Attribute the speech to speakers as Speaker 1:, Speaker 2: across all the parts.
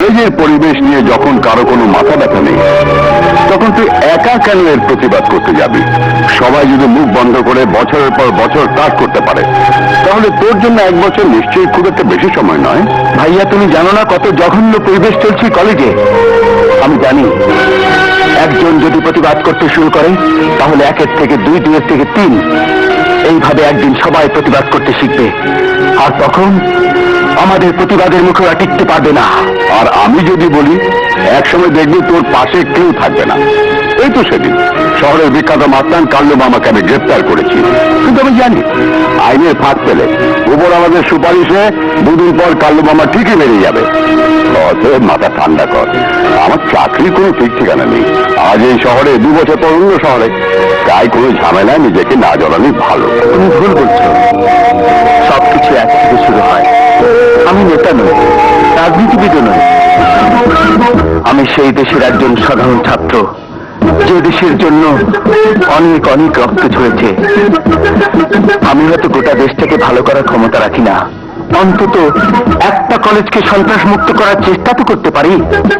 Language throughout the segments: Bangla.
Speaker 1: কলেজের পরিবেশ নিয়ে যখন কারো কোনো মাথা ব্যথা নেই, তখন তুই একা কেন এর প্রতিবাদ করতে যাবি? সবাই যদি মুখ বন্ধ করে বছরের পর বছর কাজ করতে পারে, তাহলে তোর জন্য 1 বছর নিশ্চয়ই খুব একটা বেশি সময় নয়। ভাইয়া, তুমি জানো না কত জঘন্য পরিবেশ চলছে কলেজে? আমি জানি। একজন যদি প্রতিবাদ করতে শুরু করে, তাহলে 1 থেকে 2, 2 থেকে 3, এইভাবে একদিন সবাই প্রতিবাদ করতে শিখবে। আর তখন আমাদের প্রতিবাদের মুখে ওরা টিকতে পারবে না। আর আমি যদি বলি, একসময় দেখবি তোর পাশে কেউ থাকবে না। এই তো সেদিন শহরের বিখ্যাত মাস্তান কাল্লু মামাকে আমি গ্রেপ্তার করেছি, কিন্তু আমি জানি আইনের ফাঁক পেলে উপর আমাদের সুপারিশে 2 দিন পর কাল্লু মামা ঠিকই বেরিয়ে যাবে। অতএব মাথা ঠান্ডা কর, আমার চাকরির কোনো ঠিক ঠিকানা নেই। আজ এই শহরে, 2 বছর পর অন্য শহরে, তাই কোনো ঝামেলায় নিজেকে না জড়ানোই ভালো। তুমি ভুল বলছো, সবকিছু এক থেকে শুরু হয়। আমি নেতা নই, রাজনীতিবিদও নই। আমি সেই দেশের একজন সাধারণ ছাত্র, যে দেশের জন্য অনেক অনেক রক্ত ঝরেছে। আমি হয়তো গোটা দেশটাকে ভালো করার ক্ষমতা রাখি না, অন্তত একটা কলেজকে সন্ত্রাস মুক্ত করার চেষ্টা তো করতে পারি।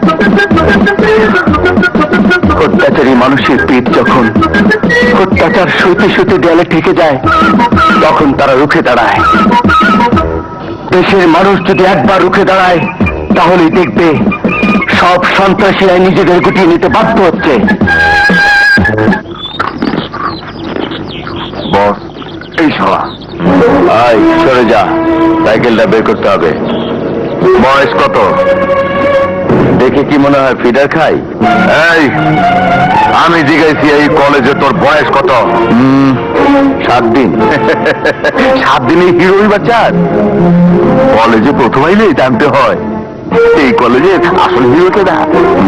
Speaker 1: অত্যাচারী মানুষের পেট যখন অত্যাচার সইতে সইতে দেয়ালে ঠেকে যায়, তখন তারা রুখে দাঁড়ায়। দেশের মানুষ যদি একবার রুখে দাঁড়ায়, তাহলেই দেখবে সব সন্ত্রাসীরা নিজেদের গুটিয়ে নিতে বাধ্য হচ্ছে। বস, এই সভা আয়, সরে যা, সাইকেলটা বের করতে হবে। বয়স কত? দেখে কি মনে হয় ফিডার খাই? এই, আমি জিজ্ঞাসি এই কলেজে তোর বয়স কত? 7 দিন। 7 দিনে হিরোই বাচ্চার কলেজে প্রথম আইলেই জানতে হয় এই কলেজের আসল হিরোকে না।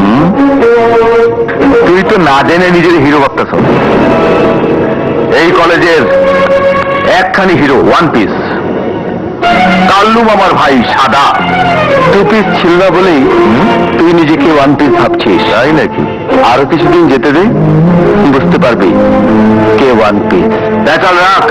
Speaker 1: তুই তো না জেনে নিজের হিরো ভাবতেছ। এই কলেজের একখানি হিরো, 1 পিস কাল্লু মামার ভাই সাদা। 2 পিস ছিল না বলেই তুই নিজেকে 1 পিস ভাবছিস, তাই নাকি? আরো কিছুদিন যেতে দে, বুঝতে পারবি কে 1 পিস। দেখাল রাখ,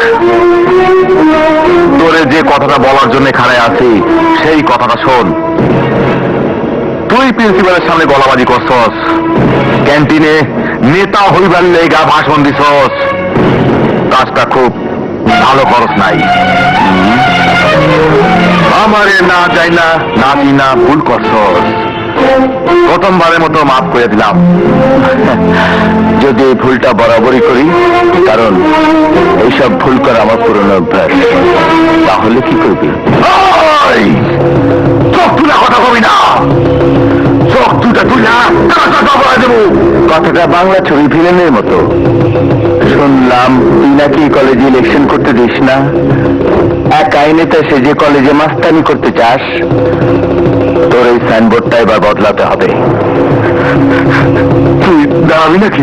Speaker 1: তোরে যে কথাটা বলার জন্য খাড়ায় আছি, সেই কথাটা শোন। তুই প্রিন্সিপালের সামনে গলাবাজি করছস, ক্যান্টিনে নেতা হইবার লেগা ভাষণ দিছস, কাজটা খুব ভালো খরচ নাই। আমারে না যাই না, না দি না, ভুল করছস। প্রথমবারের মতো মাফ করে দিলাম। যদি এই ভুলটা বরাবরই করি, কারণ এইসব ভুল করা আমার পুরনো অভ্যাস, তাহলে কি করবি? চোখ তুলে কথা কবি না, চোখ দুটা তুই না দেবো। কথাটা বাংলা ছবি ভিলেনের মতো। শুনলাম তুই নাকি কলেজে ইলেকশন করতে দিস না, এক আইনেতে সে যে কলেজে মাস্তানি করতে চাস। তোর এই সাইনবোর্ডটা এবার বদলাতে হবে। তুই দাবি নাকি?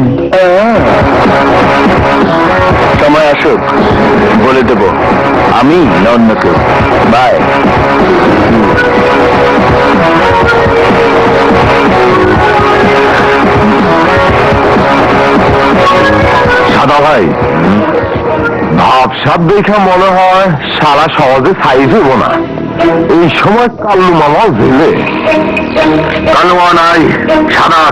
Speaker 1: সময় আসুক, বলে দেব আমি না অন্য কেউ। বাই। সাদা ভাই, ভাবসাব দেখে মনে হয় সারা সহজে সাইজ হইব না। এই সময় কাল্লু মামাও জেলে। কাল্লু মামা নাই, সাদা